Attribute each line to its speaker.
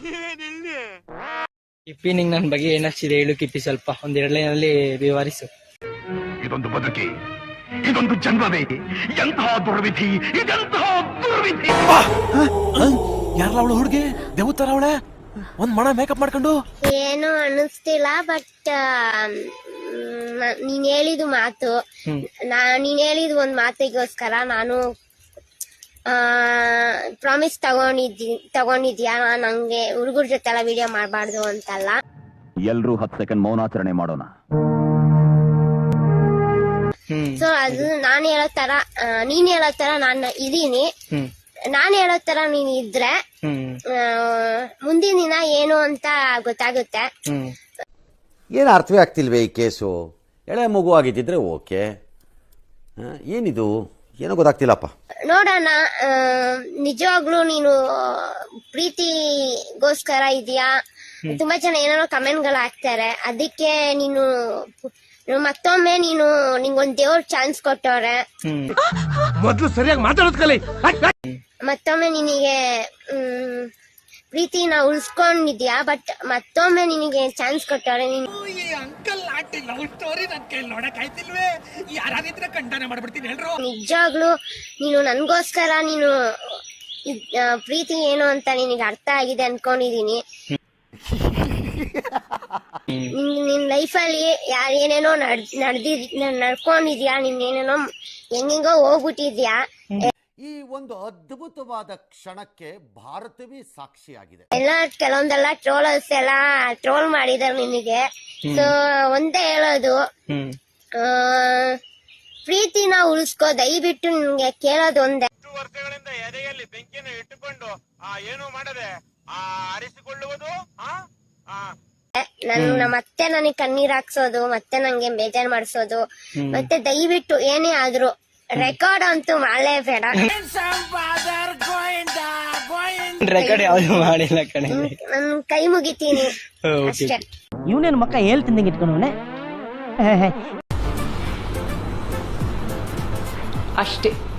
Speaker 1: ಕಿಪ್ಪಿ ನಿಂಗ್ ನನ್ ಬಗ್ಗೆ ಏನಾಗ್ತಿದೆ ಹೇಳು ಕಿಪ್ಪಿ, ಸ್ವಲ್ಪ ಒಂದೆರಡು ಲೈನಲ್ಲಿ ವಿವರಿಸು.
Speaker 2: ಇದೊಂದು ಬದುಕಿ, ಇದೊಂದು ಜನ್ಮವೇ, ಎಂತಹ ದುರ್ವಿಧಿ, ಇದೆಂತಹ ದುರ್ವಿಧಿ.
Speaker 3: ಯಾರಲ್ಲ ಅವಳು ಹುಡುಗಿ ದೇವತರ ಅವಳೆ, ಒಂದ್ ಮಣ ಮೇಕಪ್ ಮಾಡ್ಕೊಂಡು
Speaker 4: ಏನು ಅನ್ನಿಸ್ತಿಲ್ಲ. ಬಟ್ ನೀನ್ ಹೇಳಿದ ಮಾತು, ನೀನ್ ಹೇಳಿದ ಒಂದ್ ಮಾತಿಗೋಸ್ಕರ ನಾನು ಪ್ರಾಮಿಸ್ ತಗೊಂಡಿದ್ಯಾ ನಂಗೆ ಹುಡುಗರ ಜೊತೆ ಎಲ್ಲ ವಿಡಿಯೋ ಮಾಡಬಾರ್ದು ಅಂತಲ್ಲ.
Speaker 2: ಎಲ್ರೂ 10 ಸೆಕೆಂಡ್ ಮೌನಾಚರಣೆ ಮಾಡೋಣ.
Speaker 4: ಸೊ ಅದು ನಾನು ಹೇಳೋ ತರ, ನೀನ್ ಹೇಳೋ ತರ ನಾನು ಇದೀನಿ. ನಾನು ಹೇಳೋ ತರ ನೀನ್ ಇದ್ರೆ ಮುಂದಿನ ದಿನ ಏನು ಅಂತ ಗೊತ್ತಾಗುತ್ತೆ.
Speaker 5: ಏನು ಅರ್ಥವೇ ಆಗ್ತಿಲ್ವೇ ಈ ಕೇಸು? ಎಳೆ ಮಗು ಆಗಿದ್ದಿದ್ರೆ ಓಕೆ, ಏನಿದು ಏನೋ ಗೊತ್ತಾಗ್ತಿಲ್ಲಪ್ಪ.
Speaker 4: ನೋಡೋಣ. ನಿಜವಾಗ್ಲೂ ನೀನು ಪ್ರೀತಿಗೋಸ್ಕರ ಇದೆಯಾ? ತುಂಬಾ ಜನ ಏನೇನೋ ಕಮೆಂಟ್ಗಳು ಹಾಕ್ತಾರೆ. ಅದಕ್ಕೆ ನೀನು ಮತ್ತೊಮ್ಮೆ ನಿಂಗೊಂದ್ ದೇವ್ರ ಚಾನ್ಸ್ ಕೊಟ್ಟವ್ರೆ.
Speaker 3: ಮೊದ್ಲು ಸರಿಯಾಗಿ ಮಾತಾಡೋದ್ ಕಲಿ.
Speaker 4: ಮತ್ತೊಮ್ಮೆ ನಿನಗೆ ಪ್ರೀತಿನ ಉಳಿಸ್ಕೊಂಡಿದ್ಯಾ, ಬಟ್ ಮತ್ತೊಮ್ಮೆ ನಿನಗೆ ಚಾನ್ಸ್ ಕೊಟ್ಟವ್ರೆ. ನಿಜವಾಗ್ಲು ನೀನು ನನ್ಗೋಸ್ಕರ ನೀನು ಪ್ರೀತಿ ಏನು ಅಂತ ನಿನಗೆ ಅರ್ಥ ಆಗಿದೆ ಅನ್ಕೊಂಡಿದೀನಿ. ನಿನ್ ಲೈಫಲ್ಲಿ ಏನೇನೋ ನಡ್ಕೊಂಡಿದ್ಯಾ, ಏನೇನೋ ಹೆಂಗೋ ಹೋಗ್ಬಿಟ್ಟಿದ್ಯಾ.
Speaker 5: ಈ ಒಂದು ಅದ್ಭುತವಾದ ಕ್ಷಣಕ್ಕೆ ಭಾರತವೇ ಸಾಕ್ಷಿಯಾಗಿದೆ.
Speaker 4: ಕೆಲವೊಂದೆಲ್ಲ ಟ್ರೋಲರ್ಸ್ ಎಲ್ಲ ಟ್ರೋಲ್ ಮಾಡಿದಾರೆ ನಿನಗೆ. ಸೊ ಒಂದೇ ಹೇಳೋದು, ಪ್ರೀತಿನ ಉಳಿಸ್ಕೋ, ದಯವಿಟ್ಟು ನಿನ್ಗೆ ಕೇಳೋದು ಒಂದೇ.
Speaker 6: ವರ್ಷಗಳಿಂದ ಎದೆಯಲ್ಲಿ ಬೆಂಕಿಯನ್ನು ಇಟ್ಟುಕೊಂಡು ಏನು ಮಾಡದೆ ಆರಿಸಿಕೊಳ್ಳುವುದು,
Speaker 4: ಮತ್ತೆ ನನಗೆ ಕಣ್ಣೀರ್ ಹಾಕ್ಸೋದು, ಮತ್ತೆ ನಂಗೆ ಬೇಜಾರ್ ಮಾಡಿಸೋದು, ಮತ್ತೆ ದಯವಿಟ್ಟು ಏನೇ ಆದ್ರೂ ರೆಕಾರ್ಡ್ ಅಂತೂ ಮಾಡಲೇ ಬೇಡ.
Speaker 1: ರೆಕಾರ್ಡ್ ಯಾವ್ದು ಮಾಡಿಲ್ಲ ಕಣೆ,
Speaker 4: ನನ್ ಕೈ ಮುಗಿತೀನಿ ಅಷ್ಟೇ.
Speaker 7: ಇವನೇನು ಮಕ್ಕ ಹೇಳ್ತಿದ್ದಂಗೆ ಇಟ್ಕೊಂಡವನೆ
Speaker 1: ಅಷ್ಟೇ.